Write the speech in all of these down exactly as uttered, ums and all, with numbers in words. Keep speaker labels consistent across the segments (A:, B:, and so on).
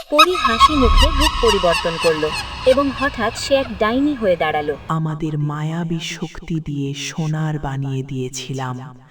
A: পরী হাসি মুখে রূপ পরিবর্তন করল এবং হঠাৎ সে এক ডাইনি হয়ে দাঁড়ালো।
B: আমাদের মায়াবী শক্তি দিয়ে সোনার বানিয়ে দিয়েছিলাম।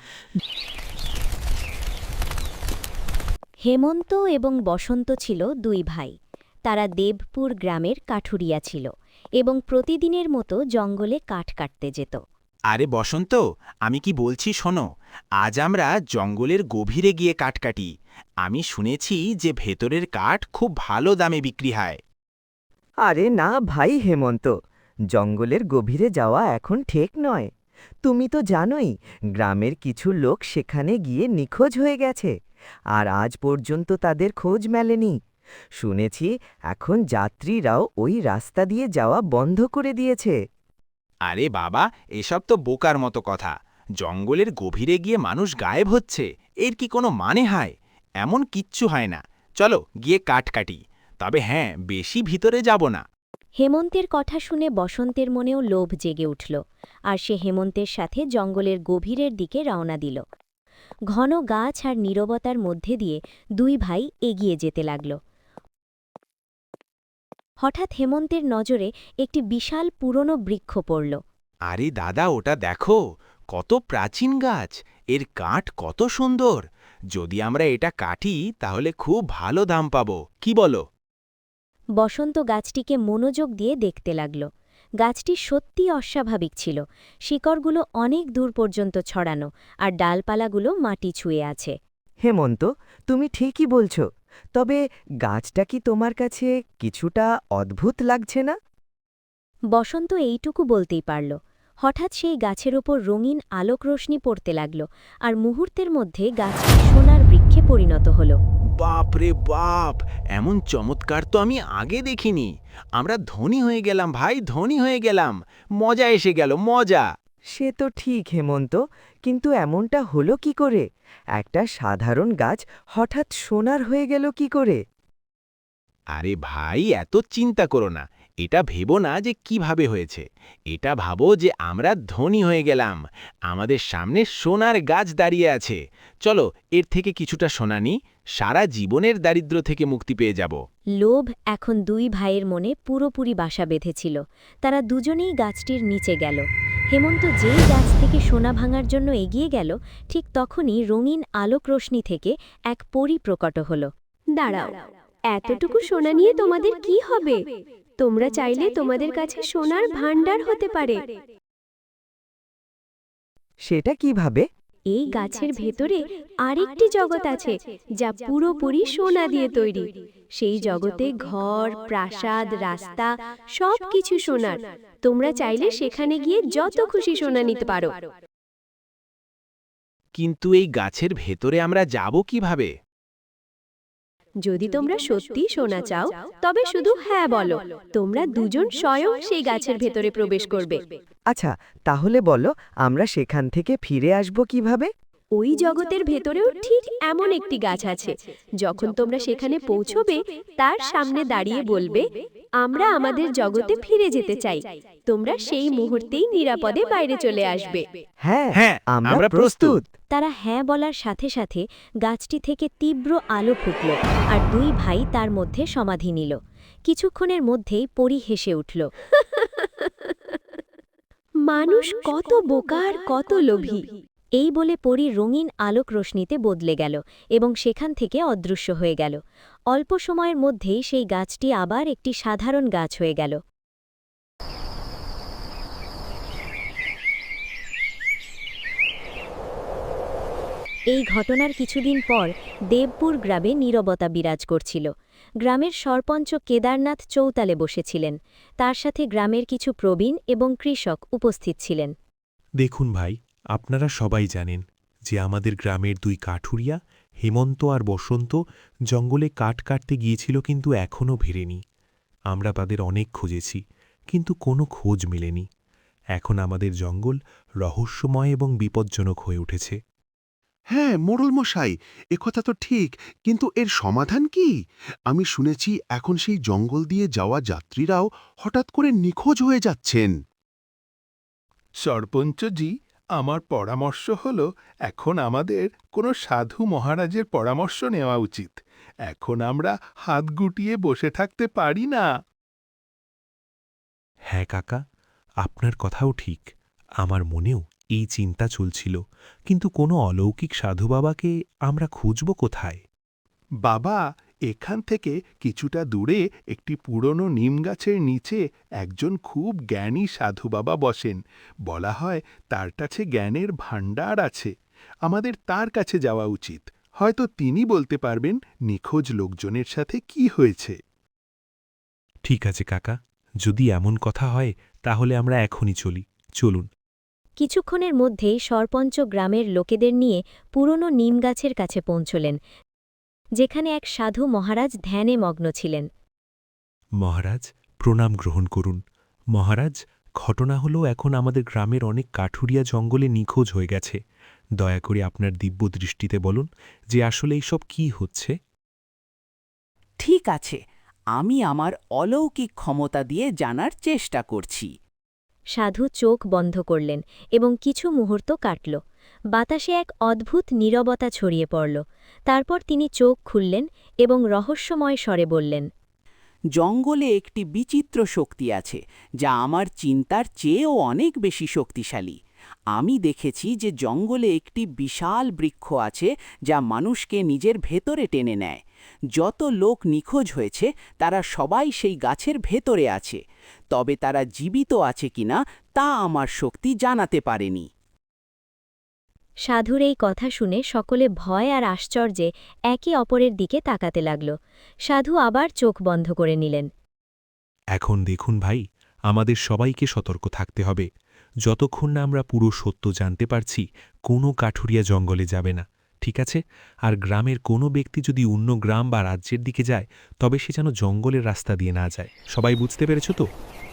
A: হেমন্ত এবং বসন্ত ছিল দুই ভাই। তারা দেবপুর গ্রামের কাঠুরিয়া ছিল এবং প্রতিদিনের মতো জঙ্গলে কাঠ কাটতে যেত।
C: আরে বসন্ত, আমি কি বলছি শোনো, আজ আমরা জঙ্গলের গভীরে গিয়ে কাঠ কাটি। আমি শুনেছি যে ভেতরের কাঠ খুব ভালো দামে বিক্রি হয়।
D: আরে না ভাই হেমন্ত, জঙ্গলের গভীরে যাওয়া এখন ঠিক নয়। তুমি তো জানোই গ্রামের কিছু লোক সেখানে গিয়ে নিখোঁজ হয়ে গেছে, আর আজ পর্যন্ত তাদের খোঁজ মেলেনি। শুনেছি এখন যাত্রীরাও ওই রাস্তা দিয়ে যাওয়া বন্ধ করে দিয়েছে।
C: আরে বাবা, এসব তো বোকার মতো কথা। জঙ্গলের গভীরে গিয়ে মানুষ গায়েব হচ্ছে, এর কি কোনো মানে হয়? এমন কিচ্ছু হয় না। চলো গিয়ে কাঠ কাটি, তবে হ্যাঁ, বেশি ভিতরে যাব না।
A: হেমন্তের কথা শুনে বসন্তের মনেও লোভ জেগে উঠল, আর সে হেমন্তের সাথে জঙ্গলের গভীরের দিকে রওনা দিল। ঘন গাছ আর নীরবতার মধ্যে দিয়ে দুই ভাই এগিয়ে যেতে লাগল। হঠাৎ হেমন্তের নজরে একটি বিশাল পুরনো বৃক্ষ পড়ল।
C: আরে দাদা, ওটা দেখো, কত প্রাচীন গাছ, এর কাঠ কত সুন্দর। যদি আমরা এটা কাটি তাহলে খুব ভালো দাম পাবো, কি বলো?
A: বসন্ত গাছটিকে মনোযোগ দিয়ে দেখতে লাগল। গাছটি সত্যি অস্বাভাবিক ছিল। শিকড়গুলো অনেক দূর পর্যন্ত ছড়ানো, আর ডালপালাগুলো মাটি ছুঁয়ে আছে।
D: হেমন্ত, তুমি ঠিকই বলছো, তবে গাছটা কি তোমার কাছে কিছুটা অদ্ভুত লাগছে না?
A: বসন্ত এইটুকু বলতেই পারল। হঠাৎ সেই গাছের ওপর রঙিন আলোক রোশনি পড়তে লাগল, আর মুহূর্তের মধ্যে গাছটি সোনার বৃক্ষে পরিণত হল।
C: বাপ রে বাপ, এমন চমৎকার তো আমি আগে দেখিনি। আমরা ধনী হয়ে গেলাম ভাই, ধনী হয়ে গেলাম। মজা এসে গেল, মজা।
D: সে তো ঠিক হেমন্ত, কিন্তু এমনটা হলো কি করে? একটা সাধারণ গাছ হঠাৎ সোনার হয়ে গেল কি করে?
C: আরে ভাই, এত চিন্তা করো না। এটা ভেবো না যে কিভাবে হয়েছে। এটা ভাবো যে আমরা ধনী হয়ে গেলাম। আমাদের সামনে সোনার গাছ দাঁড়িয়ে আছে। চলো এর থেকে কিছুটা সোনা নিই, সারা জীবনের দারিদ্র্য থেকে মুক্তি পেয়ে যাব।
A: লোভ এখন দুই ভাইয়ের মনে পুরোপুরি বাসা বেঁধেছিল। তারা দুজনেই গাছটির নিচে গেল। হেমন্ত যেই গাছ থেকে সোনা ভাঙার জন্য এগিয়ে গেল, ঠিক তখনই রঙিন আলোক রোশনি থেকে এক পরী প্রকট হল।
E: দাঁড়াও, এতটুকু সোনা নিয়ে তোমাদের কি হবে? তোমরা চাইলে তোমাদের কাছে সোনার ভাণ্ডার হতে পারে।
D: সেটা কিভাবে?
E: এই গাছের ভেতরে আরেকটি জগৎ আছে, যা পুরোপুরি সোনা দিয়ে তৈরি। সেই জগতে ঘর, প্রাসাদ, রাস্তা সবকিছু সোনার। তোমরা চাইলে সেখানে গিয়ে যত খুশি সোনা নিতে পারো।
C: কিন্তু এই গাছের ভেতরে আমরা যাব কিভাবে?
E: যদি তোমরা সত্যি সোনা চাও, তবে শুধু হ্যাঁ বলো। তোমরা দুজন স্বয়ং সেই গাছের ভেতরে প্রবেশ করবে।
D: আচ্ছা, তাহলে বলো আমরা সেখান থেকে ফিরে আসব কিভাবে?
E: ওই জগতের ভেতরেও ঠিক এমন একটি গাছ আছে। যখন তোমরা সেখানে পৌঁছবে, তার সামনে দাঁড়িয়ে বলবে, আমরা আমাদের জগতে ফিরে যেতে চাই। তোমরা সেই মুহূর্তেই নিরাপদে বাইরে চলে আসবে।
D: হ্যাঁ,
C: হ্যাঁ,
D: আমরা
C: আমরা
D: প্রস্তুত।
A: তারা হ্যাঁ বলার সাথে সাথে গাছটি থেকে তীব্র আলো ফুটল, আর দুই ভাই তার মধ্যে সমাধি নিল। কিছুক্ষণের মধ্যেই পরী হেসে উঠল।
E: মানুষ কত বোকা আর কত লোভী!
A: এই বলে পরী রঙিন আলোক রোশনিতে বদলে গেল এবং সেখান থেকে অদৃশ্য হয়ে গেল। অল্প সময়ের মধ্যেই সেই গাছটি আবার একটি সাধারণ গাছ হয়ে গেল। এই ঘটনার কিছুদিন পর দেবপুর গ্রামে নীরবতা বিরাজ করছিল। গ্রামের সরপঞ্চ কেদারনাথ চৌতালে বসেছিলেন। তার সাথে গ্রামের কিছু প্রবীণ এবং কৃষক উপস্থিত ছিলেন।
F: দেখুন ভাই, আপনারা সবাই জানেন যে আমাদের গ্রামের দুই কাঠুরিয়া হেমন্ত আর বসন্ত জঙ্গলে কাঠ কাটতে গিয়েছিল, কিন্তু এখনও ফেরেনি। আমরা তাদের অনেক খুঁজেছি, কিন্তু কোনো খোঁজ মেলেনি। এখন আমাদের জঙ্গল রহস্যময় এবং বিপজ্জনক হয়ে উঠেছে।
G: হ্যাঁ মোড়ল মশাই, একথা তো ঠিক, কিন্তু এর সমাধান কি? আমি শুনেছি এখন সেই জঙ্গল দিয়ে যাওয়া যাত্রীরাও হঠাৎ করে নিখোঁজ হয়ে যাচ্ছেন।
H: সরপঞ্চজি, আমার পরামর্শ হলো এখন আমাদের কোনো সাধু মহারাজের পরামর্শ নেওয়া উচিত। এখন আমরা হাত গুটিয়ে বসে থাকতে পারি না।
F: হ্যাঁ কাকা, আপনার কথাও ঠিক। আমার মনেও এই চিন্তা চলছিল, কিন্তু কোনো অলৌকিক সাধু বাবাকে আমরা খুঁজব কোথায়?
H: বাবা, এখান থেকে কিছুটা দূরে একটি পুরনো নিম গাছের নিচে একজন খুব জ্ঞানী সাধু বাবা বসেন। বলা হয় তার কাছে জ্ঞানের ভাণ্ডার আছে। আমাদের তার কাছে যাওয়া উচিত। হয়তো তিনি বলতে পারবেন নিখোঁজ লোকজনের সাথে কি হয়েছে।
F: ঠিক আছে কাকা, যদি এমন কথা হয় তাহলে আমরা এখনই চলি। চলুন।
A: কিছুক্ষণের মধ্যেই সরপঞ্চ গ্রামের লোকেদের নিয়ে পুরনো নিম গাছের কাছে পৌঁছলেন, যেখানে এক সাধু মহারাজ ধ্যানে মগ্ন ছিলেন।
F: মহারাজ, প্রণাম গ্রহণ করুন। মহারাজ, ঘটনা হলো এখন আমাদের গ্রামের অনেক কাঠুরিয়া জঙ্গলে নিখোঁজ হয়ে গেছে। দয়া করে আপনার দিব্য দৃষ্টিতে বলুন যে আসলে এইসব কি হচ্ছে।
B: ঠিক আছে, আমি আমার অলৌকিক ক্ষমতা দিয়ে জানার চেষ্টা করছি।
A: সাধু চোখ বন্ধ করলেন এবং কিছু মুহূর্ত কাটল। বাতাসে এক অদ্ভুত নীরবতা ছড়িয়ে পড়ল। তারপর তিনি চোখ খুললেন এবং রহস্যময় স্বরে বললেন,
B: জঙ্গলে একটি বিচিত্র শক্তি আছে, যা আমার চিন্তার চেয়েও অনেক বেশি শক্তিশালী। আমি দেখেছি যে জঙ্গলে একটি বিশাল বৃক্ষ আছে যা মানুষকে নিজের ভেতরে টেনে নেয়। যত লোক নিখোঁজ হয়েছে তারা সবাই সেই গাছের ভেতরে আছে, তবে তারা জীবিত আছে কিনা তা আমার শক্তি জানাতে পারেনি।
A: সাধুর এই কথা শুনে সকলে ভয় আর আশ্চর্যে একে অপরের দিকে তাকাতে লাগল। সাধু আবার চোখ বন্ধ করে নিলেন।
F: এখন দেখুন ভাই, আমাদের সবাইকে সতর্ক থাকতে হবে। যতক্ষণ না আমরা পুরো সত্য জানতে পারছি, কোনো কাঠুরিয়া জঙ্গলে যাবে না, ঠিক আছে? আর গ্রামের কোনো ব্যক্তি যদি অন্য গ্রাম বা রাজ্যের দিকে যায়, তবে সে যেন জঙ্গলের রাস্তা দিয়ে না যায়। সবাই বুঝতে পেরেছ তো?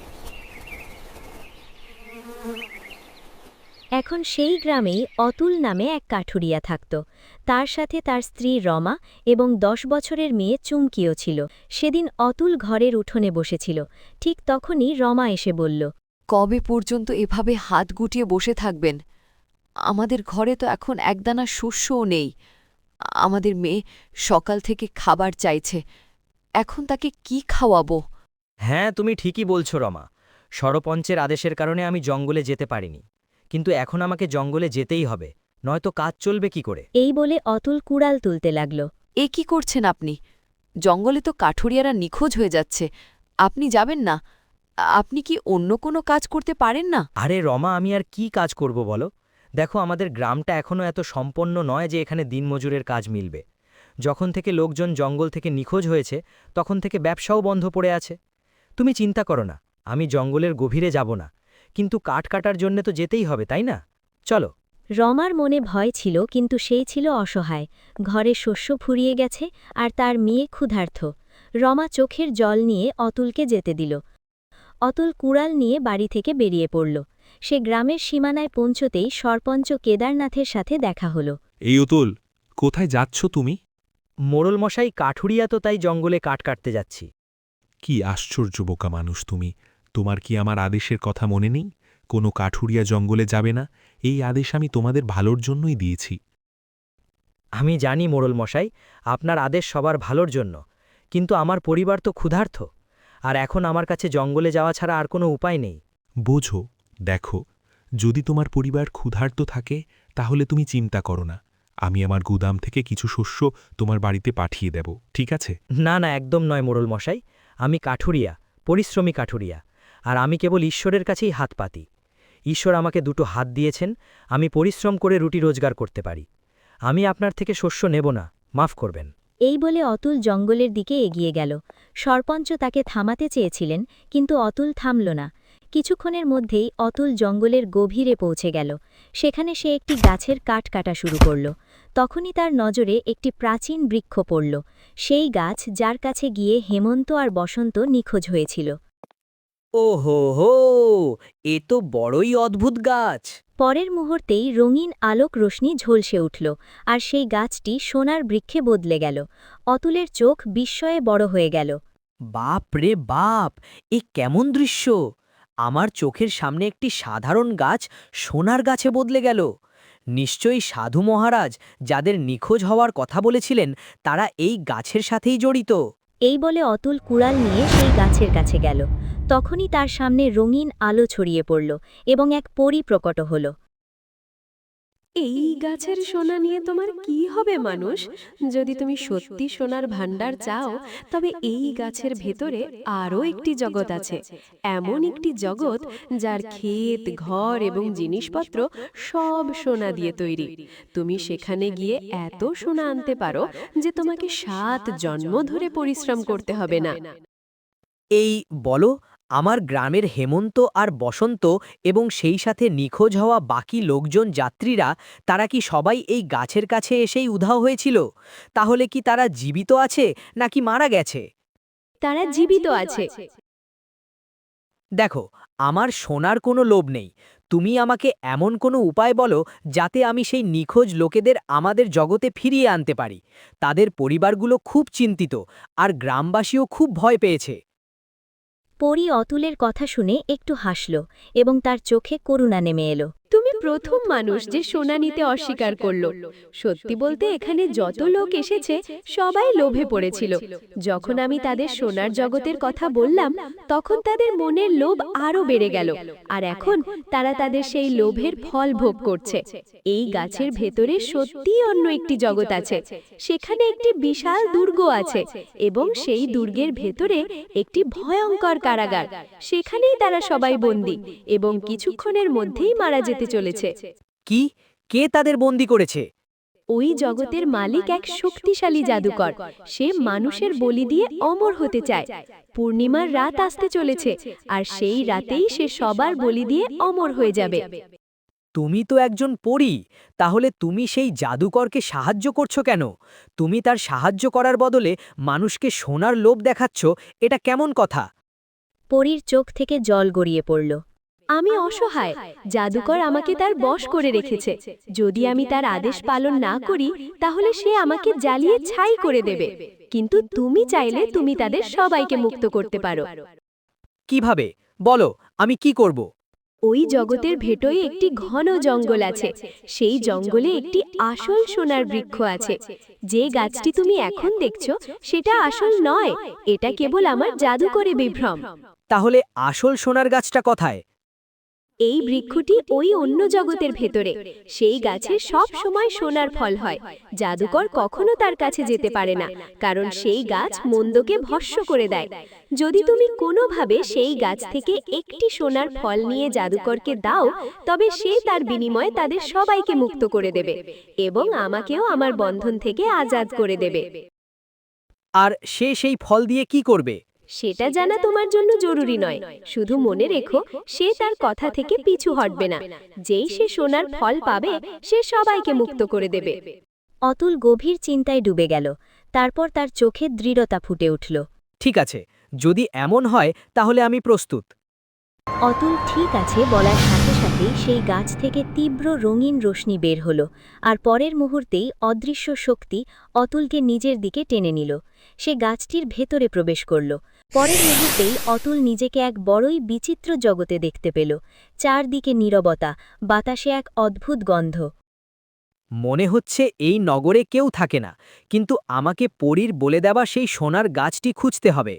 A: এখন সেই গ্রামেই অতুল নামে এক কাঠুরিয়া থাকত। তার সাথে তার স্ত্রী রমা এবং দশ বছরের মেয়ে চুমকিও ছিল। সেদিন অতুল ঘরের উঠোনে বসেছিল। ঠিক তখনই রমা এসে বলল,
I: কবে পর্যন্ত এভাবে হাত গুটিয়ে বসে থাকবেন? আমাদের ঘরে তো এখন একদানা শস্যও নেই। আমাদের মেয়ে সকাল থেকে খাবার চাইছে, এখন তাকে কি খাওয়াবো?
J: হ্যাঁ, তুমি ঠিকই বলছো রমা। সরপঞ্চের আদেশের কারণে আমি জঙ্গলে যেতে পারিনি, কিন্তু এখন আমাকে জঙ্গলে যেতেই হবে, নয়তো কাজ চলবে কি করে?
A: এই বলে অতুল কুড়াল তুলতে লাগল।
I: এ কি করছেন আপনি? জঙ্গলে তো কাঠুরিয়ারা নিখোঁজ হয়ে যাচ্ছে, আপনি যাবেন না? আপনি কি অন্য কোনো কাজ করতে পারেন না?
J: আরে রমা, আমি আর কি কাজ করব বলো? দেখো, আমাদের গ্রামটা এখনও এত সম্পন্ন নয় যে এখানে দিনমজুরের কাজ মিলবে। যখন থেকে লোকজন জঙ্গল থেকে নিখোঁজ হয়েছে, তখন থেকে ব্যবসাও বন্ধ পড়ে আছে। তুমি চিন্তা করো না, আমি জঙ্গলের গভীরে যাব না, কিন্তু কাঠ কাটার জন্য তো যেতেই হবে, তাই না? চলো।
A: রমার মনে ভয় ছিল, কিন্তু সেই ছিল অসহায়। ঘরে শস্য ফুরিয়ে গেছে আর তার মেয়ে ক্ষুধার্ত। রমা চোখের জল নিয়ে অতুলকে যেতে দিল। অতুল কুড়াল নিয়ে বাড়ি থেকে বেরিয়ে পড়ল। সে গ্রামের সীমানায় পৌঁছতেই সরপঞ্চ কেদারনাথের সাথে দেখা হল।
F: এই অতুল, কোথায় যাচ্ছ তুমি?
J: মোড়ল মশাই, কাঠুরিয়া তো, তাই জঙ্গলে কাঠ কাটতে যাচ্ছি।
F: কি আশ্চর্য বোকা মানুষ তুমি! তোমার কি আমার আদেশের কথা মনে নেই? কোনো কাঠুরিয়া জঙ্গলে যাবে না, এই আদেশ আমি তোমাদের ভালোর জন্যই দিয়েছি।
J: আমি জানি মোড়ল মশাই, আপনার আদেশ সবার ভালোর জন্য, কিন্তু আমার পরিবার তো ক্ষুধার্ত, আর এখন আমার কাছে জঙ্গলে যাওয়া ছাড়া আর কোনো উপায় নেই।
F: বোঝো, দেখো, যদি তোমার পরিবার ক্ষুধার্ত থাকে তাহলে তুমি চিন্তা করো না, আমি আমার গুদাম থেকে কিছু শস্য তোমার বাড়িতে পাঠিয়ে দেব, ঠিক আছে?
J: না না, একদম নয় মোড়ল মশাই। আমি কাঠুরিয়া, পরিশ্রমী কাঠুরিয়া, আর আমি কেবল ঈশ্বরের কাছেই হাত পাতি। ঈশ্বর আমাকে দুটো হাত দিয়েছেন, আমি পরিশ্রম করে রুটি রোজগার করতে পারি। আমি আপনার থেকে শস্য নেব না, মাফ করবেন।
A: এই বলে অতুল জঙ্গলের দিকে এগিয়ে গেল। সরপঞ্চ তাকে থামাতে চেয়েছিলেন, কিন্তু অতুল থামল না। কিছুক্ষণের মধ্যেই অতুল জঙ্গলের গভীরে পৌঁছে গেল। সেখানে সে একটি গাছের কাঠ কাটা শুরু করল। তখনই তার নজরে একটি প্রাচীন বৃক্ষ পড়ল, সেই গাছ যার কাছে গিয়ে হেমন্ত আর বসন্ত নিখোঁজ হয়েছিল।
J: ওহো হো, এ তো বড়ই অদ্ভুত গাছ।
A: পরের মুহূর্তেই রঙিন আলোক রোশনি ঝলসে উঠল, আর সেই গাছটি সোনার বৃক্ষে বদলে গেল। অতুলের চোখ বিস্ময়ে বড় হয়ে গেল।
J: বাপ রে বাপ, এ কেমন দৃশ্য! আমার চোখের সামনে একটি সাধারণ গাছ সোনার গাছে বদলে গেল। নিশ্চয়ই সাধু মহারাজ যাদের নিখোঁজ হওয়ার কথা বলেছিলেন তারা এই গাছের সাথেই জড়িত।
A: এই বলে অতুল কুড়াল নিয়ে সেই গাছের কাছে গেল। তখনই তার সামনে রঙিন আলো ছড়িয়ে পড়ল এবং এক পরী প্রকট হল।
E: এই গাছের সোনা নিয়ে তোমার কি হবে মানুষ? যদি তুমি সত্যি সোনার ভাণ্ডার চাও, তবে এই গাছের ভেতরে আরও একটি জগৎ আছে। এমন একটি জগৎ যার ক্ষেত, ঘর এবং জিনিসপত্র সব সোনা দিয়ে তৈরি। তুমি সেখানে গিয়ে এত সোনা আনতে পারো যে তোমাকে সাত জন্ম ধরে পরিশ্রম করতে হবে না।
J: এই বলো, আমার গ্রামের হেমন্ত আর বসন্ত এবং সেই সাথে নিখোঁজ হওয়া বাকি লোকজন যাত্রীরা, তারা কি সবাই এই গাছের কাছে এসেই উধাও হয়েছিল? তাহলে কি তারা জীবিত আছে নাকি মারা গেছে?
E: তারা জীবিত আছে।
J: দেখো, আমার সোনার কোনো লোভ নেই। তুমি আমাকে এমন কোনো উপায় বলো যাতে আমি সেই নিখোঁজ লোকেদের আমাদের জগতে ফিরিয়ে আনতে পারি। তাদের পরিবারগুলো খুব চিন্তিত আর গ্রামবাসীও খুব ভয় পেয়েছে।
A: পরী অতুলের কথা শুনে একটু হাসল এবং তার চোখে করুণা নেমে এলো।
E: তুমি প্রথম মানুষ যে সোনা নিতে অস্বীকার করল। সত্যি বলতে এখানে যত লোক এসেছে সবাই লোভে পড়েছিল। যখন আমি তাদের সোনার জগতের কথা বললাম, তখন তাদের মনের লোভ আরও বেড়ে গেল, আর এখন তারা তাদের সেই লোভের ফল ভোগ করছে। এই গাছের ভেতরে সত্যিই অন্য একটি জগৎ আছে। সেখানে একটি বিশাল দুর্গ আছে এবং সেই দুর্গের ভেতরে একটি ভয়ঙ্কর কারাগার। সেখানেই তারা সবাই বন্দী এবং কিছুক্ষণের মধ্যেই মারা যেতে চলেছে।
J: কি? কে তাদের বন্দী করেছে?
E: ওই জগতের মালিক এক শক্তিশালী জাদুকর। সে মানুষের বলি দিয়ে অমর হতে চায়। পূর্ণিমার রাত আসতে চলেছে, আর সেই রাতেই সে সবার বলি দিয়ে অমর হয়ে যাবে।
J: তুমি তো একজন পরী, তাহলে তুমি সেই জাদুকরকে সাহায্য করছো কেন? তুমি তার সাহায্য করার বদলে মানুষকে সোনার লোভ দেখাচ্ছ, এটা কেমন কথা?
A: পরীর চোখ থেকে জল গড়িয়ে পড়ল।
E: আমি অসহায়। জাদুকর আমাকে তার বশ করে রেখেছে। যদি আমি তার আদেশ পালন না করি, তাহলে সে আমাকে জ্বালিয়ে ছাই করে দেবে। কিন্তু তুমি চাইলে তুমি তাদের সবাইকে মুক্ত করতে পারো।
J: কিভাবে? বলো, আমি কি করব?
E: ওই জগতের ভেতরে একটি ঘন জঙ্গল আছে। সেই জঙ্গলে একটি আসল সোনার বৃক্ষ আছে। যে গাছটি তুমি এখন দেখছো সেটা আসল নয়, এটা কেবল আমার জাদুকরে বিভ্রম।
J: তাহলে আসল সোনার গাছটা কোথায়?
E: এই বৃক্ষটি ওই অন্য জগতের ভেতরে। সেই গাছে সব সময় সোনার ফল হয়। জাদুকর কখনো তার কাছে যেতে পারে না, কারণ সেই গাছ মন্দকে ভস্ম করে দেয়। যদি তুমি কোনোভাবে সেই গাছ থেকে একটি সোনার ফল নিয়ে জাদুকরকে দাও, তবে সে তার বিনিময়ে তাদের সবাইকে মুক্ত করে দেবে এবং আমাকেও আমার বন্ধন থেকে আজাদ করে দেবে।
J: আর সে সেই ফল দিয়ে কি করবে?
E: সেটা জানা তোমার জন্য জরুরি নয়। শুধু মনে রেখো, সে তার কথা থেকে পিছু হটবে না। যেই সে সোনার ফল পাবে, সে সবাইকে মুক্ত করে দেবে।
A: অতুল গভীর চিন্তায় ডুবে গেল। তারপর তার চোখে দৃঢ়তা ফুটে উঠল।
J: ঠিক আছে, যদি এমন হয় তাহলে আমি প্রস্তুত।
A: অতুল ঠিক আছে বলার সাথে সাথেই সেই গাছ থেকে তীব্র রঙিন রশ্মি বের হল, আর পরের মুহূর্তেই অদৃশ্য শক্তি অতুলকে নিজের দিকে টেনে নিল। সে গাছটির ভেতরে প্রবেশ করল। পরের মুহূর্তেই অতুল নিজেকে এক বড়ই বিচিত্র জগতে দেখতে পেল। চারদিকে নীরবতা, বাতাসে এক অদ্ভুত গন্ধ।
J: মনে হচ্ছে এই নগরে কেউ থাকে না, কিন্তু আমাকে পরীর বলে দেওয়া সেই সোনার গাছটি খুঁজতে হবে।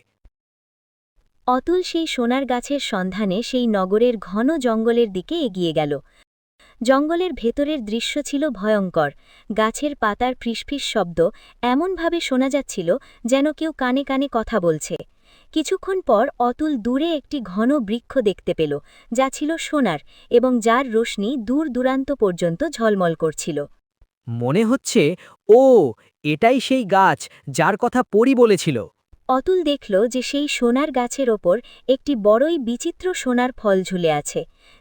A: অতুল সেই সোনার গাছের সন্ধানে সেই নগরের ঘন জঙ্গলের দিকে এগিয়ে গেল। জঙ্গলের ভেতরের দৃশ্য ছিল ভয়ঙ্কর। গাছের পাতার ফিসফিস শব্দ এমনভাবে শোনা যাচ্ছিল যেন কেউ কানে কানে কথা বলছে। কিছুক্ষণ পর অতুল দূরে একটি ঘন বৃক্ষ দেখতে পেল, যা ছিল সোনার এবং যার রোশনি দূর দূরান্ত পর্যন্ত ঝলমল করছিল।
J: মনে হচ্ছে ও এটাই সেই গাছ যার কথা পরী বলেছিল।
A: অতুল দেখল যে সেই সোনার গাছের ওপর একটি বড়ই বিচিত্র সোনার ফল ঝুলে আছে।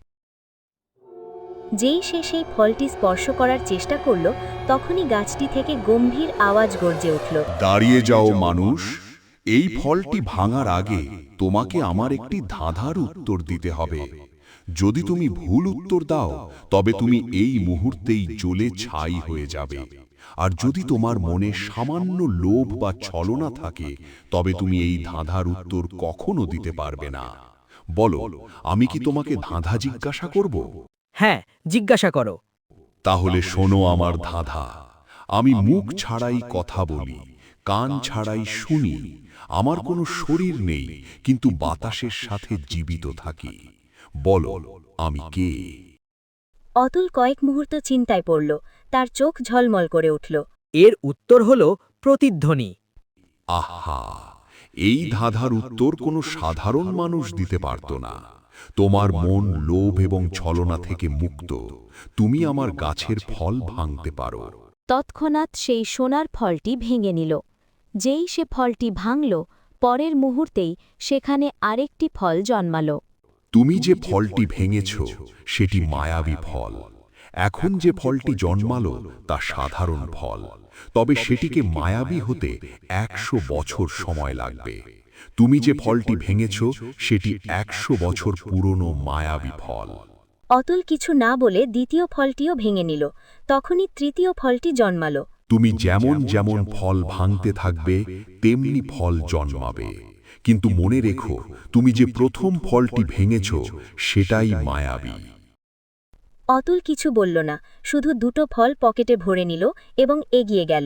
A: যেই সে সেই ফলটি স্পর্শ করার চেষ্টা করল, তখনই গাছটি থেকে গম্ভীর আওয়াজ গর্জে উঠল।
K: দাঁড়িয়ে যাও মানুষ, এই ফলটি ভাঙার আগে তোমাকে আমার একটি ধাঁধার উত্তর দিতে হবে। যদি তুমি ভুল উত্তর দাও, তবে তুমি এই মুহূর্তেই জ্বলে ছাই হয়ে যাবে। আর যদি তোমার মনে সামান্য লোভ বা ছলনা থাকে, তবে তুমি এই ধাঁধার উত্তর কখনো দিতে পারবে না। বলো, আমি কি তোমাকে ধাঁধা জিজ্ঞাসা করব?
J: হ্যাঁ, জিজ্ঞাসা করো।
K: তাহলে শোনো আমার ধাঁধা। আমি মুখ ছাড়াই কথা বলি, কান ছাড়াই শুনি, আমার কোনো শরীর নেই, কিন্তু বাতাসের সাথে জীবিত থাকি। বলো, আমি কে?
A: অতুল কয়েক মুহূর্ত চিন্তায় পড়ল, তার চোখ ঝলমল করে উঠল।
J: এর উত্তর হল প্রতিধ্বনি।
K: আহা, এই ধাঁধার উত্তর কোনো সাধারণ মানুষ দিতে পারত না। তোমার মন লোভ এবং ছলনা থেকে মুক্ত। তুমি আমার গাছের ফল ভাঙতে পারো।
A: তৎক্ষণাৎ সেই সোনার ফলটি ভেঙে নিল। যেই সে ফলটি ভাঙল, পরের মুহূর্তেই সেখানে আরেকটি ফল জন্মাল।
K: তুমি যে ফলটি ভেঙেছ সেটি মায়াবী ফল। এখন যে ফলটি জন্মালো তা সাধারণ ফল, তবে সেটিকে মায়াবী হতে একশো বছর সময় লাগবে। তুমি যে ফলটি ভেঙেছ সেটি একশো বছর পুরনো মায়াবী ফল।
A: অতুল কিছু না বলে দ্বিতীয় ফলটিও ভেঙে নিল। তখনই তৃতীয় ফলটি জন্মাল।
K: তুমি যেমন যেমন ফল ভাঙতে থাকবে তেমনি ফল জন্মাবে। কিন্তু মনে রেখো, তুমি যে প্রথম ফলটি ভেঙেছ সেটাই মায়াবী।
A: অতুল কিছু বলল না, শুধু দুটো ফল পকেটে ভরে নিল এবং এগিয়ে গেল।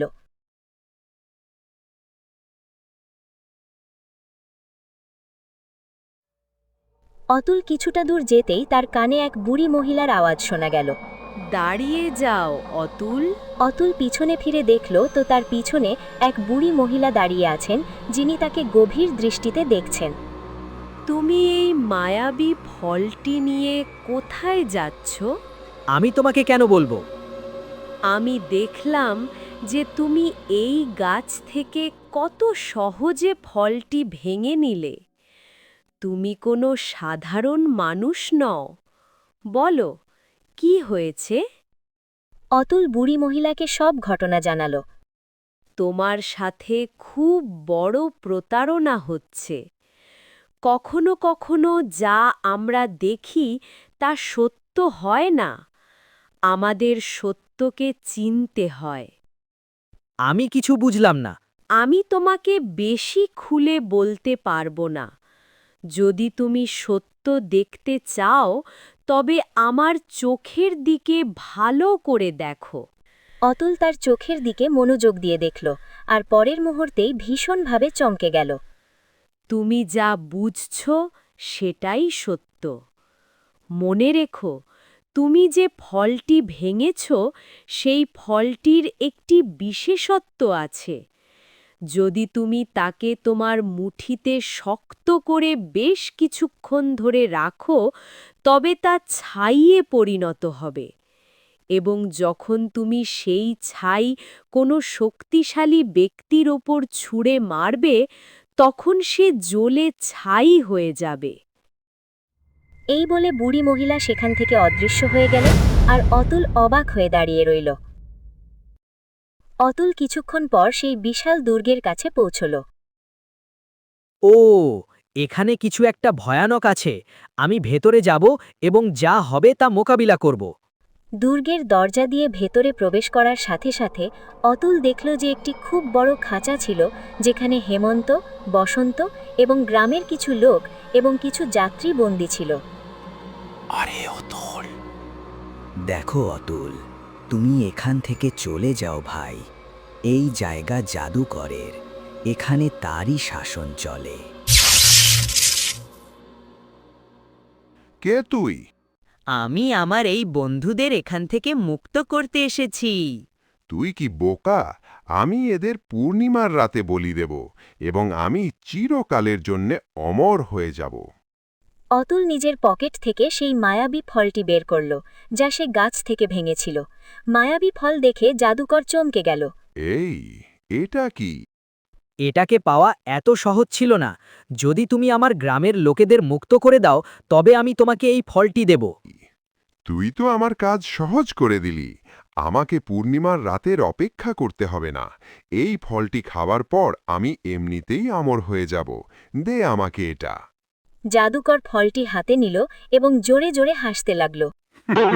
A: অতুল কিছুটা দূর যেতেই তার কানে এক বুড়ি মহিলার আওয়াজ শোনা গেল।
E: দাঁড়িয়ে যাও অতুল।
A: অতুল পিছনে ফিরে দেখল তো তার পিছনে এক বুড়ি মহিলা দাঁড়িয়ে আছেন, যিনি তাকে গভীর দৃষ্টিতে দেখছেন।
E: তুমি এই মায়াবী ফলটি নিয়ে কোথায় যাচ্ছ?
J: আমি তোমাকে কেন বলবো?
E: আমি দেখলাম যে তুমি এই গাছ থেকে কত সহজে ফলটি ভেঙে নিলে। তুমি কোনো সাধারণ মানুষ নও। বলো, কি হয়েছে?
A: অতুল বুড়ি মহিলাকে সব ঘটনা জানাল।
E: তোমার সাথে খুব বড় প্রতারণা হচ্ছে। কখনো কখনো যা আমরা দেখি তা সত্য হয় না। আমাদের সত্যকে চিনতে হয়।
J: আমি কিছু বুঝলাম না।
E: আমি তোমাকে বেশি খুলে বলতে পারবো না। যদি তুমি সত্য দেখতে চাও, তবে আমার চোখের দিকে ভালো করে দেখো।
A: অতুল তার চোখের দিকে মনোযোগ দিয়ে দেখল, আর পরের মুহূর্তেই ভীষণভাবে চমকে গেল।
E: তুমি যা বুঝছ সেটাই সত্য। মনে রেখো, তুমি যে ফলটি ভেঙেছ সেই ফলটির একটি বিশেষত্ব আছে। যদি তুমি তাকে তোমার মুঠিতে শক্ত করে বেশ কিছুক্ষণ ধরে রাখো, তবে তা ছাইয়ে পরিণত হবে, এবং যখন তুমি সেই ছাই কোনো শক্তিশালী ব্যক্তির ওপর ছুঁড়ে মারবে, তখন সে জ্বলে ছাই হয়ে যাবে।
A: এই বলে বুড়ি মহিলা সেখান থেকে অদৃশ্য হয়ে গেল, আর অতুল অবাক হয়ে দাঁড়িয়ে রইল। অতুল কিছুক্ষণ পর সেই বিশাল দুর্গের কাছে পৌঁছল।
J: ও, এখানে কিছু একটা ভয়ানক আছে। আমি ভেতরে যাব এবং যা হবে তা মোকাবিলা করব।
A: দুর্গের দরজা দিয়ে ভেতরে প্রবেশ করার সাথে সাথে অতুল দেখল যে একটি খুব বড় খাঁচা ছিল, যেখানে হেমন্ত, বসন্ত এবং গ্রামের কিছু লোক এবং কিছু যাত্রী বন্দী ছিল।
B: আরে অতুল,
D: দেখো অতুল, তুমি এখান থেকে চলে যাও ভাই। এই জায়গা জাদুকরের, এখানে তারই শাসন চলে।
G: কে তুই?
J: আমি আমার এই বন্ধুদের এখান থেকে মুক্ত করতে এসেছি।
G: তুই কি বোকা? আমি এদের পূর্ণিমার রাতে বলি দেব এবং আমি চিরকালের জন্যে অমর হয়ে যাব।
A: অতুল নিজের পকেট থেকে সেই মায়াবী ফলটি বের করল, যা সে গাছ থেকে ভেঙেছিল। মায়াবী ফল দেখে জাদুকর চমকে গেল।
G: এই, এটা কি?
J: এটাকে পাওয়া এত সহজ ছিল না। যদি তুমি আমার গ্রামের লোকেদের মুক্ত করে দাও, তবে আমি তোমাকে এই ফলটি দেব।
G: তুই তো আমার কাজ সহজ করে দিলি। আমাকে পূর্ণিমার রাতের অপেক্ষা করতে হবে না। এই ফলটি খাবার পর আমি এমনিতেই অমর হয়ে যাব। দে আমাকে এটা।
A: জাদুকর ফলটি হাতে নিল এবং জোরে জোরে হাসতে লাগল।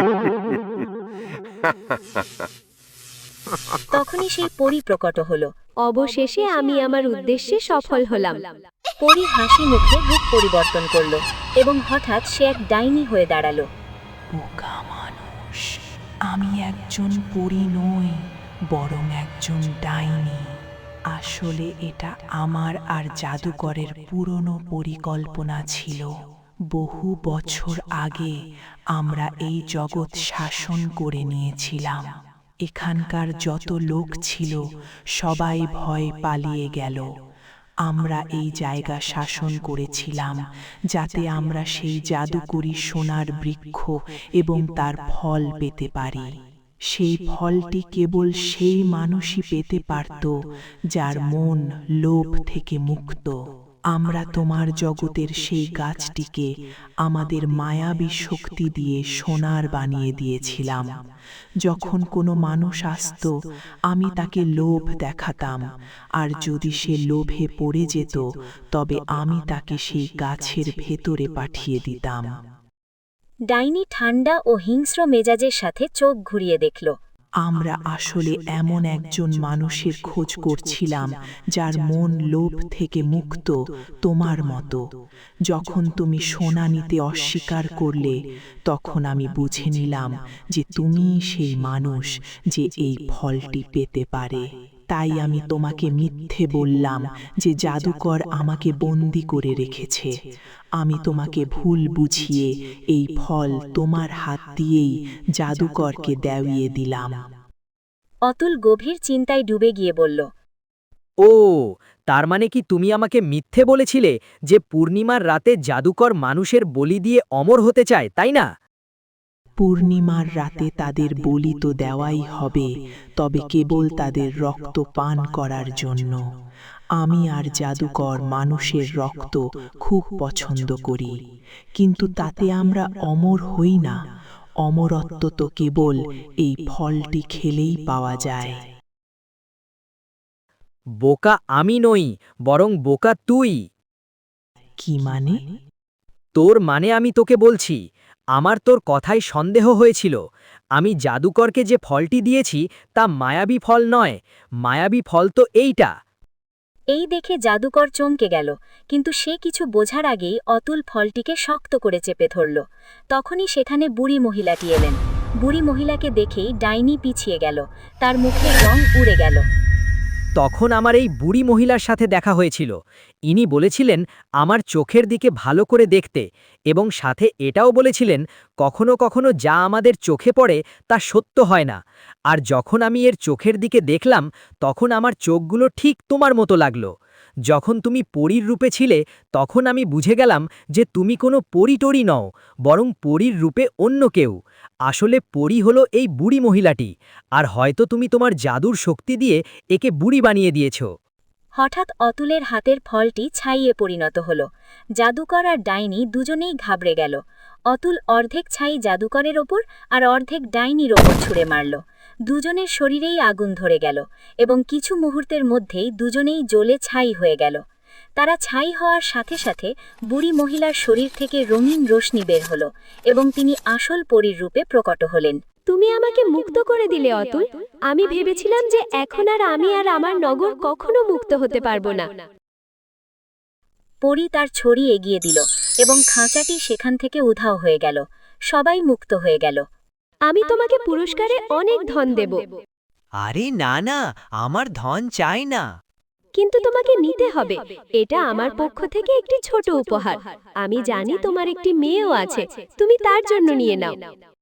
A: তখনই সেই পরী প্রকট হল।
E: অবশেষে আমি আমার উদ্দেশ্যে সফল হলাম।
A: পরী হাসি মুখে রূপ পরিবর্তন করল এবং হঠাৎ সে এক ডাইনি হয়ে দাঁড়ালো।
L: বোকা মানুষ, আমি একজন পরী নই, বরং একজন ডাইনি। আসলে এটা আমার আর জাদুকরের পুরনো পরিকল্পনা ছিল। বহু বছর আগে আমরা এই জগৎ শাসন করে নিয়েছিলাম। এখানকার যত লোক ছিল সবাই ভয় পালিয়ে গেল। আমরা এই জায়গা শাসন করেছিলাম যাতে আমরা সেই জাদুকরী সোনার বৃক্ষ এবং তার ফল পেতে পারি। সেই ফলটি কেবল সেই মানুষই পেতে পারত যার মন লোভ থেকে মুক্ত। আমরা তোমার জগতের সেই গাছটিকে আমাদের মায়াবী শক্তি দিয়ে সোনার বানিয়ে দিয়েছিলাম। যখন কোনো মানুষ আসত, আমি তাকে লোভ দেখাতাম, আর যদি সে লোভে পড়ে যেত তবে আমি তাকে সেই গাছের ভেতরে পাঠিয়ে দিতাম।
A: ডাইনি ঠান্ডা ও হিংস্র মেজাজের সাথে চোখ ঘুরিয়ে দেখল।
L: আমরা আসলে এমন একজন মানুষের খোঁজ করছিলাম যার মন লোভ থেকে মুক্ত, তোমার মতো। যখন তুমি সোনা নিতে অস্বীকার করলে, তখন আমি বুঝে নিলাম যে তুমিই সেই মানুষ যে এই ফলটি পেতে পারে। তাই আমি তোমাকে মিথ্যে বললাম যে জাদুকর আমাকে বন্দি করে রেখেছে। আমি তোমাকে ভুল বুঝিয়ে এই ফল তোমার হাত দিয়েই জাদুকরকে দেওয়িয়ে দিলাম।
A: অতুল গভীর চিন্তায় ডুবে গিয়ে বলল,
J: ও, তার মানে কি তুমি আমাকে মিথ্যে বলেছিলে যে পূর্ণিমার রাতে জাদুকর মানুষের বলি দিয়ে অমর হতে চায়, তাই না?
L: পূর্ণিমার রাতে তাদের বলি তো দেওয়াই হবে, তবে কেবল তাদের রক্ত পান করার জন্য। আমি আর জাদুকর মানুষের রক্ত খুব পছন্দ করি, কিন্তু তাতে আমরা অমর হই না। অমরত্ব তো কেবল এই ফলটি খেলেই পাওয়া যায়।
J: বোকা আমি নই, বরং বোকা তুই।
L: কি মানে?
J: তোর মানে আমি তোকে বলছি। আমার তোর কথায় সন্দেহ হয়েছিল। আমি জাদুকরকে যে ফলটি দিয়েছি তা মায়াবী ফল নয়, মায়াবী ফল তো এইটা।
A: এই দেখে জাদুকর চমকে গেল, কিন্তু সে কিছু বোঝার আগেই অতুল ফলটিকে শক্ত করে চেপে ধরল। তখনই সেখানে বুড়ি মহিলাটি এলেন। বুড়ি মহিলাকে দেখেই ডাইনি পিছিয়ে গেল, তার মুখের রং উড়ে গেল।
J: তখন আমার এই বুড়ি মহিলার সাথে দেখা হয়েছিল। ইনি বলেছিলেন আমার চোখের দিকে ভালো করে দেখতে, এবং সাথে এটাও বলেছিলেন কখনো কখনো যা আমাদের চোখে পড়ে তা সত্য হয় না। আর যখন আমি এর চোখের দিকে দেখলাম, তখন আমার চোখগুলো ঠিক তোমার মতো লাগলো। যখন তুমি পরীর রূপে ছিলে, তখন আমি বুঝে গেলাম যে তুমি কোনো পরী টরী নও, বরং পরীর রূপে অন্য কেউ। আসলে পরী হলো এই বুড়ি মহিলাটি, আর হয়তো তুমি তোমার জাদুর শক্তি দিয়ে একে বুড়ি বানিয়ে দিয়েছ।
A: হঠাৎ অতুলের হাতের ফলটি ছাইয়ে পরিণত হল। জাদুকর আর ডাইনি দুজনেই ঘাবড়ে গেল। অতুল অর্ধেক ছাই জাদুকরের ওপর আর অর্ধেক ডাইনির ওপর ছুঁড়ে মারল। দুজনের শরীরেই আগুন ধরে গেল এবং কিছু মুহূর্তের মধ্যেই দুজনেই জ্বলে ছাই হয়ে গেল। তারা ছাই হওয়ার সাথে সাথে বুড়ি মহিলার শরীর থেকে রঙিন রশ্মি বের হল এবং তিনি আসল পরীর রূপে প্রকট হলেন।
E: তুমি আমাকে মুক্ত করে দিলে অতুল। আমি ভেবেছিলাম যে এখন আর আমি আর আমার নগর কখনো মুক্ত হতে পারবো না।
A: পরী তার ছড়ি এগিয়ে দিল এবং খাঁচাটি সেখান থেকে উধাও হয়ে গেল। সবাই মুক্ত হয়ে গেল।
E: আমি তোমাকে পুরস্কারে অনেক ধন দেব।
J: আরে না না, আমার ধন চাই না।
E: কিন্তু তোমাকে নিতে হবে। এটা আমার পক্ষ থেকে একটি ছোট উপহার। আমি জানি তোমার একটি মেয়েও আছে, তুমি তার জন্য নিয়ে নাও।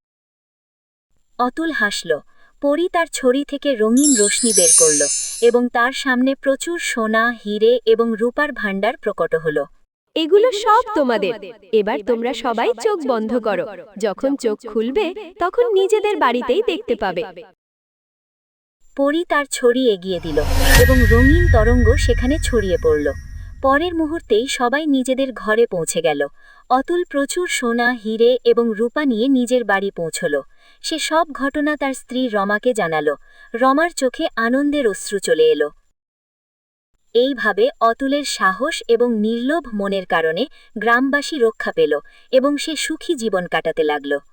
A: অতুল হাসল। পরী তার ছড়ি থেকে রঙিন রশ্মি বের করল এবং তার সামনে প্রচুর সোনা, হিরে এবং রূপার ভাণ্ডার প্রকট হল।
E: এগুলো সব তোমাদের। এবার তোমরা সবাই চোখ বন্ধ করো। যখন চোখ খুলবে তখন নিজেদের বাড়িতেই দেখতে পাবে।
A: পরী তার ছড়ি এগিয়ে দিল এবং রঙিন তরঙ্গ সেখানে ছড়িয়ে পড়ল। পরের মুহূর্তেই সবাই নিজেদের ঘরে পৌঁছে গেল। অতুল প্রচুর সোনা, হিরে এবং রূপা নিয়ে নিজের বাড়ি পৌঁছল। সে সব ঘটনা তার স্ত্রী রমাকে জানাল। রমার চোখে আনন্দের অশ্রু চলে এলো। এইভাবে অতুলের সাহস এবং নির্লোভ মনের কারণে গ্রামবাসী রক্ষা পেল এবং সে সুখী জীবন কাটাতে লাগল।